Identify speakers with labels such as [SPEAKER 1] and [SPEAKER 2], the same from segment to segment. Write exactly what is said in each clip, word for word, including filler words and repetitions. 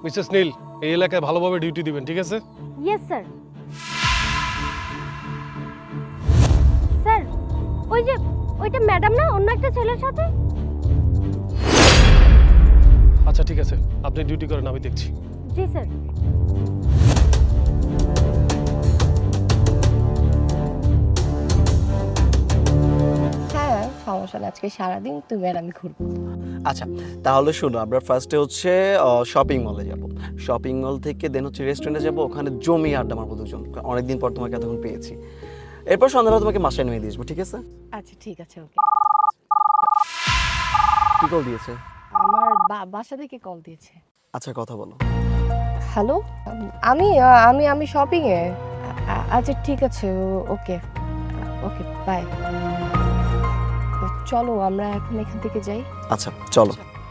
[SPEAKER 1] Mrs নীল, এই এলাকায় ভালোভাবে ডিউটি দিবেন, ঠিক আছে?
[SPEAKER 2] Yes sir. স্যার, ওই যে ওইটা ম্যাডাম না, অন্য একটা ছেলের সাথে?
[SPEAKER 1] আচ্ছা ঠিক আছে, আপনি ডিউটি করেন, আমি দেখছি।
[SPEAKER 2] জি স্যার।
[SPEAKER 3] হ্যাঁ সমস্যা নেই, আজকে সারাদিন তুমি আর আমি ঘুরবো।
[SPEAKER 4] আচ্ছা তাহলে শোনো, আমরা ফার্স্টে হচ্ছে শপিং মলে যাব। শপিং মল থেকে দেন হচ্ছে রেস্টুরেন্টে যাব, ওখানে জমি আড্ডা মারবো দুজন, অনেকদিন পর তোমাকে এতক্ষণ পেয়েছি। এরপর সন্ধ্যাবেলা তোমাকে বাসায় নিয়ে দিয়ে আসবো, ঠিক আছে?
[SPEAKER 3] আচ্ছা ঠিক আছে, ওকে।
[SPEAKER 4] কি কল দিয়েছে?
[SPEAKER 3] আমার বা- বাসা থেকে কল দিয়েছে।
[SPEAKER 4] আচ্ছা কথা বলো।
[SPEAKER 3] হ্যালো, আমি আমি আমি শপিং এ। আ- আচ্ছা ঠিক আছে, ওকে ওকে বাই। চলো আমরা এখন এখান থেকে যাই।
[SPEAKER 4] আচ্ছা চলো।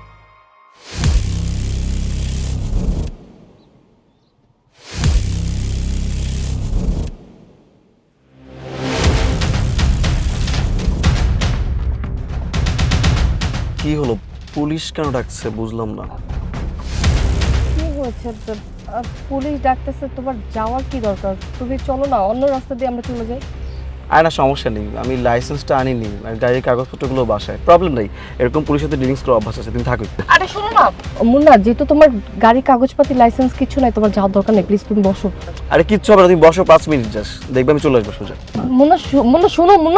[SPEAKER 4] কি হলো, পুলিশ কেন ডাকছে বুঝলাম না।
[SPEAKER 3] কি হয়েছে? আ- পুলিশ ডাকতেছে, তোমার যাওয়ার কি দরকার? তুমি চলো না, অন্য রাস্তা দিয়ে আমরা চলে যাই।
[SPEAKER 4] আর না সমস্যা নেই, আমি লাইসেন্সটা আনিনি আর গাড়ির কাগজপত্রগুলো বাসায়, প্রবলেম নেই। এরকম পুলিশের সাথে ডিলিংস করার অভ্যাস আছে, তুমি থাকো।
[SPEAKER 3] আরে শোনো না মুন্না, যেহেতু তোমার গাড়ির কাগজপাতি লাইসেন্স কিছু নাই, তোমার যাওয়ার দরকার নেই, প্লিজ তুমি বসো।
[SPEAKER 4] আরে কিচ্ছু হবে না, তুমি বসো পাঁচ মিনিট জাস্ট, দেখবে আমি চলে আসবো সোজা।
[SPEAKER 3] মুন্না শো- মুন্না শোনো মুন্না।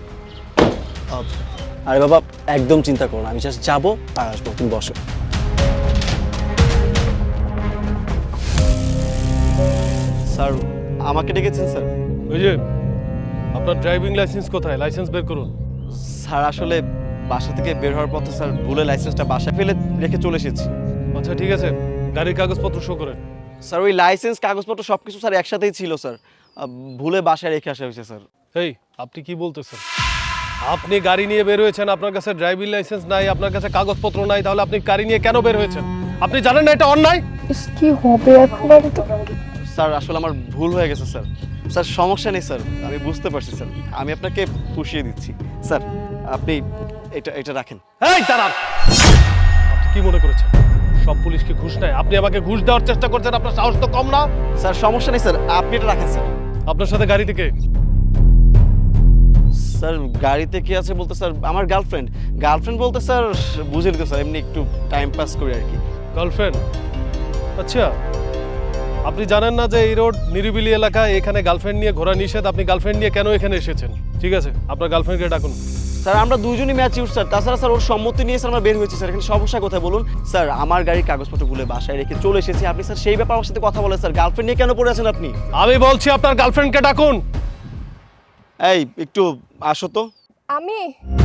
[SPEAKER 4] আরে বাবা একদম চিন্তা করো না, আমি জাস্ট যাবো আর আসবো, তুমি বসো। স্যার আমাকে ডেকেছেন স্যার?
[SPEAKER 1] ওই যে আপনার ড্রাইভিং লাইসেন্স কোথায়? লাইসেন্স বের করুন।
[SPEAKER 4] স্যার আসলে বাসা থেকে বের হওয়ার পথে স্যার ভুলে লাইসেন্সটা বাসায় ফেলে রেখে চলে এসেছি।
[SPEAKER 1] আচ্ছা ঠিক আছে, গাড়ির কাগজপত্র শো করেন।
[SPEAKER 4] স্যার ওই লাইসেন্স কাগজপত্র সব কিছু স্যার একসাথেই ছিল স্যার, আহ, ভুলে বাসায় রেখে আসা হয়েছে স্যার।
[SPEAKER 1] এই আপনি কি বলতেছেন? আপনি গাড়ি নিয়ে বের হয়েছেন, আপনার কাছে ড্রাইভিং লাইসেন্স নাই, আপনার কাছে কাগজপত্র নাই, তাহলে আপনি গাড়ি নিয়ে কেন বের হয়েছেন? আপনি জানেন না এটা অন্যায়?
[SPEAKER 3] ইস, কি হবে এখন? আমি তো
[SPEAKER 4] স্যার আসলে আমার ভুল হয়ে গেছে স্যার। স্যার সমস্যা নেই স্যার, আমি বুঝতে পারছি স্যার, আমি আপনাকে পুষিয়ে দিচ্ছি। স্যার আপনি এটা এটা রাখেন।
[SPEAKER 1] এই দাঁড়ান, আপনি কি মনে করেছেন সব পুলিশকে ঘুষ নেয়? আপনি আমাকে ঘুষ দেওয়ার চেষ্টা করছেন, আপনার সাহস তো কম না?
[SPEAKER 4] স্যার সমস্যা নেই স্যার, আপনি এটা রাখেন স্যার।
[SPEAKER 1] আপনার সাথে গাড়ি থেকে
[SPEAKER 4] স্যার গাড়িতে কি আছে বলতে স্যার আমার গার্লফ্রেন্ড। গার্লফ্রেন্ড বলতে স্যার বুঝে নিতে স্যার, এমনি একটু টাইম পাস করি আর কি।
[SPEAKER 1] গার্লফ্রেন্ড? আচ্ছা, আপনি জানেন না যে এই রোড নিরিবিলি এলাকা, এখানে গার্লফ্রেন্ড নিয়ে ঘোরা নিষেধ? আপনি গার্লফ্রেন্ড নিয়ে কেন এখানে এসেছেন? ঠিক আছে, আপনার গার্লফ্রেন্ডকে ডাকুন।
[SPEAKER 4] স্যার আমরা দুজনই ম্যাচিউর স্যার, তাছাড়া স্যার ওর সম্মতি নিয়ে স্যার আমরা বের হয়েছি স্যার, এখানে সমস্যা কোথায় বলুন? স্যার আমার গাড়ির কাগজপত্র ভুলে বাসায় রেখে চলে এসেছি, আপনি স্যার সেই ব্যাপারে আমার সাথে কথা বলেন স্যার, গার্লফ্রেন্ড নিয়ে কেন পড়ে আছেন আপনি?
[SPEAKER 1] আমি বলছি আপনার গার্লফ্রেন্ডকে ডাকুন।
[SPEAKER 4] এই একটু আসো তো।
[SPEAKER 3] আমি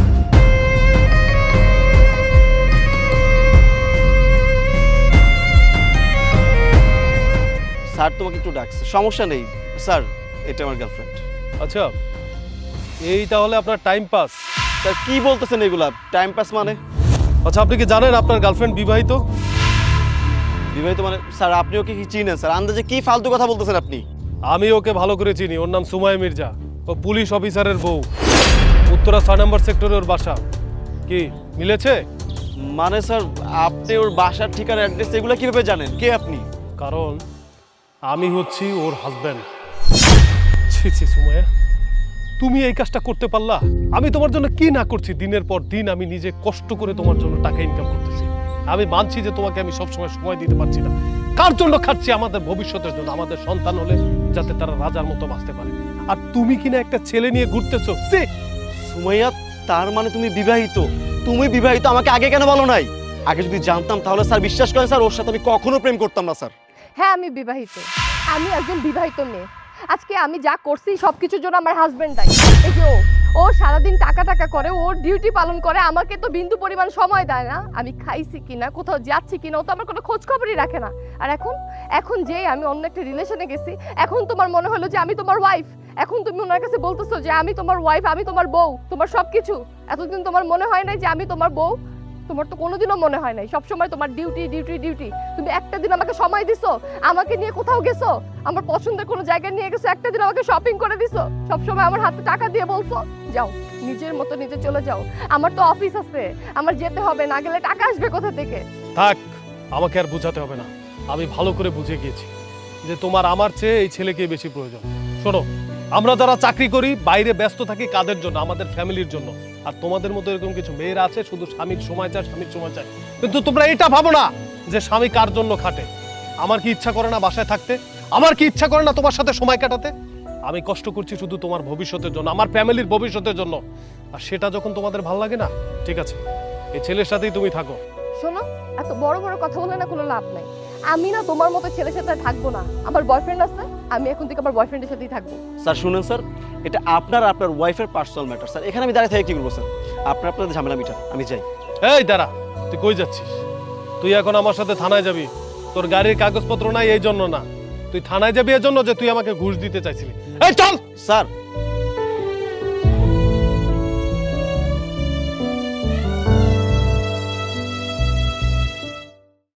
[SPEAKER 4] স্যার তোমাকে একটু ডাকছে, সমস্যা নেই স্যার, এটা আমার গার্লফ্রেন্ড।
[SPEAKER 1] আচ্ছা, এই তাহলে আপনার টাইম পাস?
[SPEAKER 4] স্যার কি বলতেছেন এগুলা, টাইম পাস মানে?
[SPEAKER 1] আচ্ছা, আপনি কি জানেন আপনার গার্লফ্রেন্ড বিবাহিত?
[SPEAKER 4] বিবাহিত মানে? স্যার আপনি ওকে কি চিনেন স্যার? আন্দাজে কি ফালতু কথা বলতেছেন আপনি?
[SPEAKER 1] আমি ওকে ভালো করে চিনি, ওর নাম সুমাইয়া মির্জা, ও পুলিশ অফিসারের বউ, উত্তরা ছয় নম্বর সেক্টরে ওর বাসা। কি মিলেছে?
[SPEAKER 4] মানে স্যার আপনি ওর বাসার ঠিকানা অ্যাড্রেস এগুলো কিভাবে জানেন? কে আপনি?
[SPEAKER 1] কারণ আমি হচ্ছি ওর হাজব্যান্ড। ছি ছি সুমাইয়া, তুমি এই কাজটা করতে পারলা? আমি তোমার জন্য কি না করছি, দিনের পর দিন আমি নিজে কষ্ট করে তোমার জন্য টাকা ইনকাম করতেছি। আমি মানছি যে তোমাকে আমি সবসময় সময় দিতে পারছি না। কার জন্য খাচ্ছি? আমাদের ভবিষ্যতের জন্য, আমাদের সন্তান হলে যাতে তারা রাজার মতো বাঁচতে পারে। আর তুমি কিনা একটা ছেলে নিয়ে ঘুরতেছো। সে
[SPEAKER 4] সুমাইয়া, তার মানে তুমি বিবাহিত? তুমি বিবাহিত, আমাকে আগে কেন বলো নাই? আগে যদি জানতাম তাহলে স্যার বিশ্বাস করেন স্যার, ওর সাথে আমি কখনো প্রেম করতাম না স্যার।
[SPEAKER 3] হ্যাঁ আমি বিবাহিত, আমি একজন বিবাহিত মেয়ে। আজকে আমি যা করছি সব কিছুর জন্য আমার হাজবেন্ড দায়ী। এই যে ও ও সারাদিন টাকা টাকা করে, ওর ডিউটি পালন করে, আমাকে তো বিন্দু পরিমাণ সময় দেয় না। আমি খাইছি কিনা, কোথাও যাচ্ছি কিনা, ও তো আমার কোনো খোঁজ খবরই রাখে না। আর এখন এখন যে আমি অন্য একটা রিলেশনে গেছি, এখন তোমার মনে হলো যে আমি তোমার ওয়াইফ। এখন তুমি ওনার কাছে বলতেছো যে আমি তোমার ওয়াইফ, আমি তোমার বউ, তোমার সব কিছু। এতদিন তোমার মনে হয় নাই যে আমি তোমার বউ? তোমার তো কোনোদিনও মনে হয় নাই, সবসময় তোমার ডিউটি ডিউটি ডিউটি। তুমি একটা দিন আমাকে সময় দিছো, আমাকে নিয়ে কোথাও গেছো, আমার পছন্দের কোনো জায়গায় নিয়ে গেছো, একটা দিন আমাকে শপিং করে দিছো, সবসময় আমার হাতে টাকা দিয়ে বলছো যাও নিজের মতো নিজে চলে যাও। আমার তো অফিস আছে, আমার যেতে হবে, না গেলে টাকা আসবে কোথা থেকে?
[SPEAKER 1] থাক, আমাকে আর বোঝাতে হবে না। আমি ভালো করে বুঝে গিয়েছি যে তোমার আমার চেয়ে এই ছেলেকে বেশি প্রয়োজন। শোনো, আমরা যারা চাকরি করি বাইরে ব্যস্ত থাকি কাদের জন্য? আমাদের ফ্যামিলির জন্য। আর তোমাদের মতো এরকম কিছু মেয়েরা আছে শুধু স্বামীর সময় চায়, স্বামীর সময় চায়, কিন্তু তোমরা এটা ভাবো না যে স্বামী কার জন্য খাটে। আমার কি ইচ্ছা করে না বাসায় থাকতে? আমার কি ইচ্ছা করে না তোমার সাথে সময় কাটাতে? আমি কষ্ট করছি শুধু তোমার ভবিষ্যতের জন্য, আমার ফ্যামিলির ভবিষ্যতের জন্য। আর সেটা যখন তোমাদের ভালো লাগে না, ঠিক আছে, এই ছেলের সাথেই তুমি থাকো।
[SPEAKER 3] শোনো, এত বড় বড় কথা বলে না কোনো লাভ নাই। আমি না তোমার মতো ছেলের সাথে আর থাকবো না। আমার বয়ফ্রেন্ড আছে, আমি এখন থেকে আমার বয়ফ্রেন্ডের সাথেই থাকবো।
[SPEAKER 4] স্যার শুনুন স্যার, এটা আপনার আর আপনার ওয়াইফের পার্সোনাল ম্যাটার স্যার। এখানে আমি দাঁড়িয়ে থেকে কি করবো স্যার? আপনার আপনাদের ঝামেলা মিটার, আমি যাই।
[SPEAKER 1] এই দাঁড়া, তুই কই যাচ্ছিস? তুই এখন আমার সাথে থানায় যাবি। তোর গাড়ির কাগজপত্র নাই এই জন্য না, তুই থানায় যাবি এই জন্য যে তুই আমাকে ঘুষ দিতে চাইছিলি। এই চল।
[SPEAKER 4] স্যার